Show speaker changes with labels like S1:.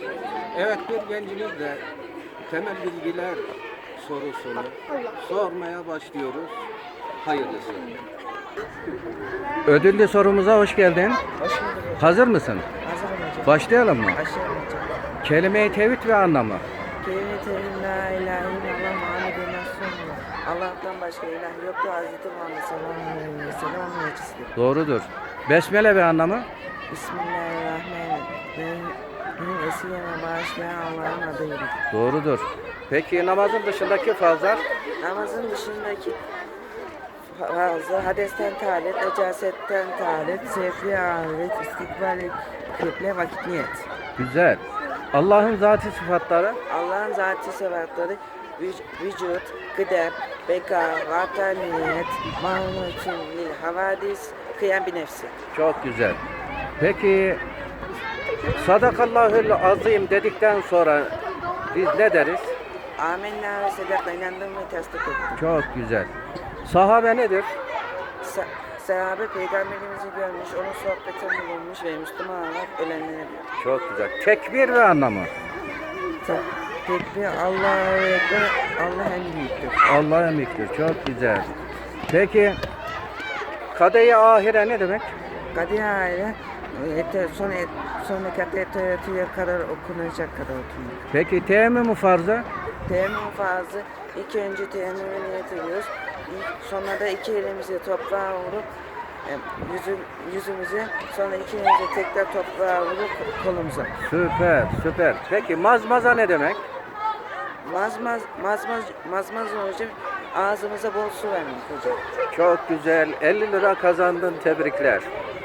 S1: Evet, bir gencimiz de temel bilgiler sorusunu sormaya başlıyoruz. Hayırlısı. Ödüllü sorumuza hoş geldin.
S2: Hoş bulduk.
S1: Hazır mısın?
S2: Hazırım hocam.
S1: Başlayalım mı?
S2: Başlayalım hocam.
S1: Kelime-i tevhid ve anlamı.
S2: Kelime-i tevhid la ilahe illallah Muhammeden Resulullah. Allah'tan başka ilah yoktur. Hazreti Muhammed sallallahu aleyhi ve sellem onun elçisidir.
S1: Doğrudur. Besmele ve anlamı.
S2: Bismillahirrahmanirrahim. Benim esirgeme bağışlayan Allah'ın adıyla.
S1: Doğrudur. Peki namazın dışındaki farzlar?
S2: Namazın dışındaki fazla hadesten taharet, necasetten taharet, sevfi ahiret, istikbal kıble, vakit niyet.
S1: Güzel. Allah'ın zati sıfatları.
S2: Allah'ın zati sıfatları vücut, kıdem, beka, vataniyet, mahmutun lil havadis, kıyam bir nefsi.
S1: Çok güzel. Peki sadakallahül azim dedikten sonra biz ne deriz?
S2: Amenna ve sedakla inandım ve tasdik ettim.
S1: Çok güzel. Sahabe nedir?
S2: Sahabe peygamberimizi görmüş, onun sohbetini bulmuş ve Müslüman olarak ölenlere diyor.
S1: Çok güzel. Tekbir ve anlamı.
S2: Tekbir Allah'a ekber, Allah en büyüktür.
S1: Allah'a emiktir. Çok güzel. Peki kadeh-i ahire ne demek?
S2: Kadir ile son rekatta etiyatüye kadar okunacak kadar okunur.
S1: Peki teyemmüm farzı?
S2: Teyemmüm farzı ilk önce teyemmüme niyet ediyoruz. Sonra da iki elimizi toprağa vurup yüzümüze, sonra iki elimizi tekrar toprağa vurup kolumuza.
S1: Süper, süper. Peki mazmaza ne demek?
S2: Mazmaz hocam, ağzımıza bol su vermek hocam.
S1: Çok güzel. 50 lira kazandın. Tebrikler.